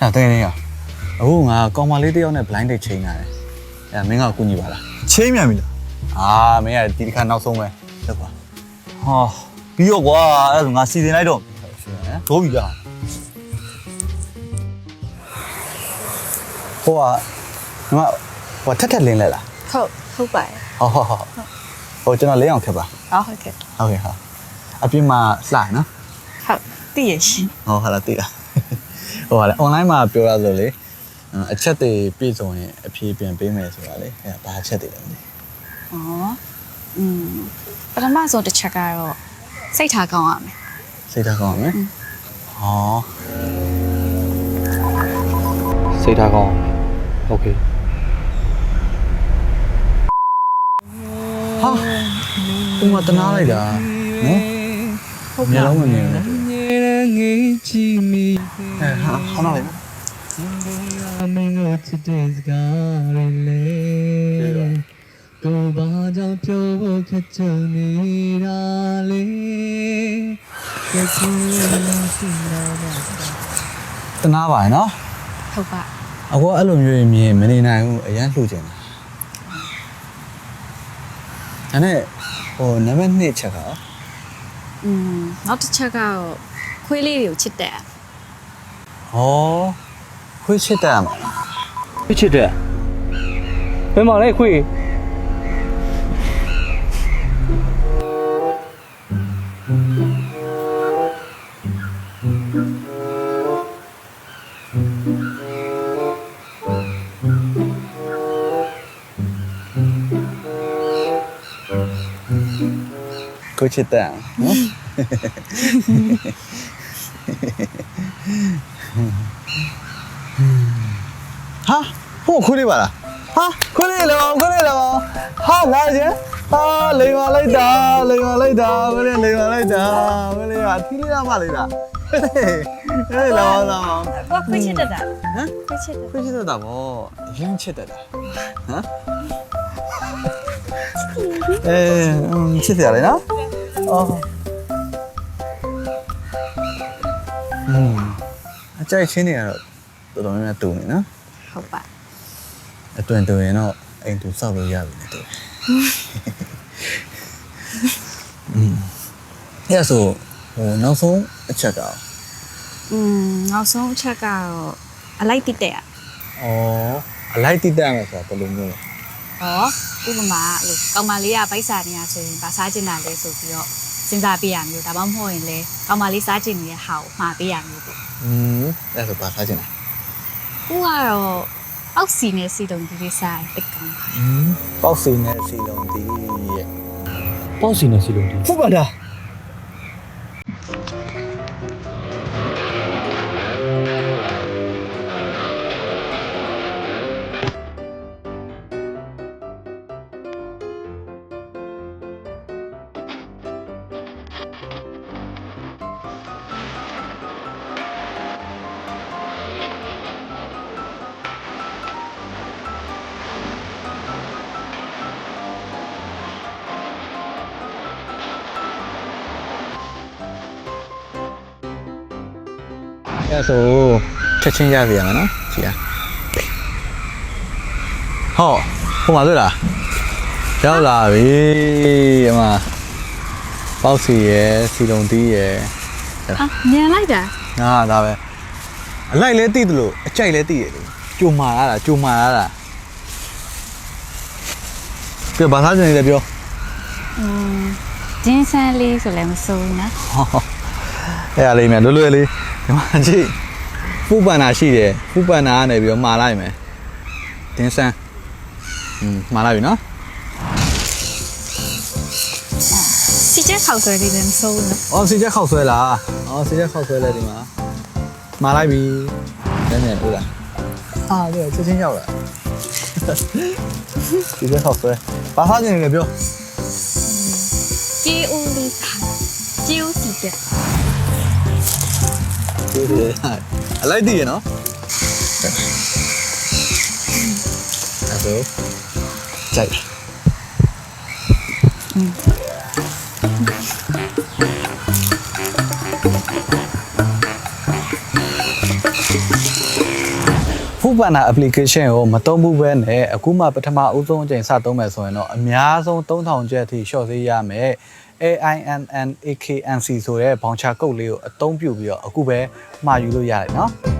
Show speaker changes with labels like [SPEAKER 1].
[SPEAKER 1] 那对的呀。哦，我刚嘛，你都要那 blind date chain 啊？哎，没我估计吧啦。
[SPEAKER 2] ချိန်မြန်ပြီလား
[SPEAKER 1] 啊，没啊，弟弟看闹钟没？这个。
[SPEAKER 2] ဟာပြီးတော့ကွာအဲ့ဒါဆိုငါစီစဉ်လိုက်တော့
[SPEAKER 1] 是啊。
[SPEAKER 2] ဒိုးပြီလား
[SPEAKER 1] ဟိုကညီမဟိုထက်ထက်လင်းလဲလား
[SPEAKER 3] ဟုတ်ပါတယ်
[SPEAKER 1] ဟုတ်ဟိုကျွန်တော်လင်းအောင်ခက်ပါ
[SPEAKER 3] ဟုတ်ကဲ့
[SPEAKER 1] ဟုတ်ကဲ့ဟုတ်အပြင်မှာလှနော်
[SPEAKER 3] ဟုတ်တည်ရရှင်
[SPEAKER 1] ဟုတ်လားသိလားဟိုကလေ online မှာပြောရဆိုလေအချက်တွေပြည့်စုံရင်အဖြေပြန်ပေးမယ်ဆိုတာလေအဲ့ဒါဘာအချက်တွေလဲမသိ
[SPEAKER 3] ပထမဆုံးတစ်ချက်ကတော့စိတ်ထားကောင်းရမယ်
[SPEAKER 1] စိတ်ထားကောင်းအောင်မယ်ဟောစိတ်ထားကောင်းโอเคဟာဒီမှာတနာလိုက်တာနော်ဟုတ်မျက်လုံးမမြင်ဘူးဟာဟောနာလိုက်နော်
[SPEAKER 4] မင်းတို့ချစ်တဲ့စကားတွေလေကိုဘာကြောင့်ပြောဖို့ခက်ချင်နေတာလေကဲချင်လို့ရှိနေတာ
[SPEAKER 1] တနာပါရနော်
[SPEAKER 3] ဟုတ်ပါ
[SPEAKER 1] အခုအဲ့လိုမျိုးမြင်မနေနိုင်ဘူးအရန်လှူချင်တာဒါနဲ့ဟိုနံပါတ်2ချက်က
[SPEAKER 3] နောက်တစ်ချက်ကတော့ခွေးလေးတွေကိုချစ်တဲ့
[SPEAKER 1] ဟောခွေးချစ်တယ်မှာ
[SPEAKER 4] ခွေးချစ်တဲ့ဘယ်မှာလဲခွေး
[SPEAKER 1] ခွေးချစ်တယ်နော်ဟာဟိုခွေးလေးပါလားဟာခွေးလေးလောခွေးလေးလောဟာလာကြဟာလိန်ပါလိုက်တာလိန်ပါလိုက်တာခွေးလေးလိန်ပါလိုက်တာခွေးလေးကအထီးလေးရမလိုက်တာဟေးလောလော
[SPEAKER 3] ဘာခွေးချစ်တဲ့တာ
[SPEAKER 1] ဟမ်
[SPEAKER 3] ခွေးချစ်တဲ့
[SPEAKER 1] ခွေးချစ်တတ်တာဗောရင်းချစ်တတ်တာဟမ်ချစ်တယ်လေနော်အော်အကြိုက်ချင်းတွေကတော့တော်တော်များများတူနေနော်
[SPEAKER 3] ဟုတ်ပါ
[SPEAKER 1] အတွင်တူရင်တော့အိမ်တူစောက်လို့ရပြီလေတူအဲ့ဆိုဟိုနောက်ဆုံးအချက်တော့
[SPEAKER 3] နောက်ဆုံးအချက်ကတော့အလိုက်တိတဲ့
[SPEAKER 1] အလိုက်တိတက်မယ်ဆိုတာဘယ်လိုမျိုးလဲ
[SPEAKER 3] ဥပမာလို့ကောင်မလေးကဗိုက်စာနေရဆိုရင်ဗာစားကျင်တာလဲဆိုပြီးတော့စဉ်းစားပေးရမျိုးဒါမှမဟုတ်ရင်လဲကောင်မလေးစားကျင်နေတဲ့ဟာကိုမှာပေးရမျိုးပေါ့
[SPEAKER 1] အဲ့ဆိုဘာစားချင်လဲ
[SPEAKER 3] ခုကတော့အောက်စီနဲ့စီတုံဒီလေးစားတိတ်ကောင်းပါ
[SPEAKER 1] ပေါက်စီနဲ့စီလုံးဒီရဲ့
[SPEAKER 4] ပေါ့စီနေစီလုံးဒီ
[SPEAKER 2] ဟုတ်ပါလား
[SPEAKER 1] အဲ့ဆိုချက်ချင်းရပြီရမယ်နော်ကြည့်ရဟောဟိုမှာတွေ့လားရောက်လာပြီအမပေါက်စီရယ်စီလုံးတီးရယ်
[SPEAKER 3] ညံလိုက်တာ
[SPEAKER 1] ငါဒါပဲအလိုက်လဲတိတယ်လို့အကြိုက်လဲတိရလေကြုံမာရတာပြောဘာသာချင်လဲပြော
[SPEAKER 3] ဂျင်းဆန်းလေးဆိုလည်းမစိုးဘူးနော်
[SPEAKER 1] အဲ့ဒါလေးမြန်လွယ်လေးဒီမှာကြည့်ပူပန်နာရှိတယ်ပူပန်နာကနေပြီးတော့မှာလိုက်မယ်တင်းဆန်းမှာလိုက်ပြီနော်
[SPEAKER 3] စီချက်ခေါက်ဆွဲလေးလည်းမစိုးဘူးနော်
[SPEAKER 1] အော်စီချက်ခောက်ဆွဲလားအော်စီချက်ခောက်ဆွဲလဲဒီမှာမှာလိုက်ပြီနည်းနည်းဟုတ်လားဟာဒီချက်ချင်းရောက်လာစီချက်ခောက်ဆွဲဘာသာချင်လဲပြော
[SPEAKER 3] ជីဦးလေးជីဦးစီချက်
[SPEAKER 1] အလိုက်တည်ရနော်အဲ့ဒါကြိုက် Foodpanda application ကိုမသုံးဘူးပဲနဲ့အခုမှပထမအဦးဆုံးအချိန်စသုံးမယ်ဆိုရင်တော့အများဆုံး3000ကျပ်အထိ short ဈေးရမယ် AINNAKNC ဆိုတဲ့ voucher code လေးကိုအသုံးပြုပြီးတော့အခုပဲမှာယူလို့ရတယ်เนาะ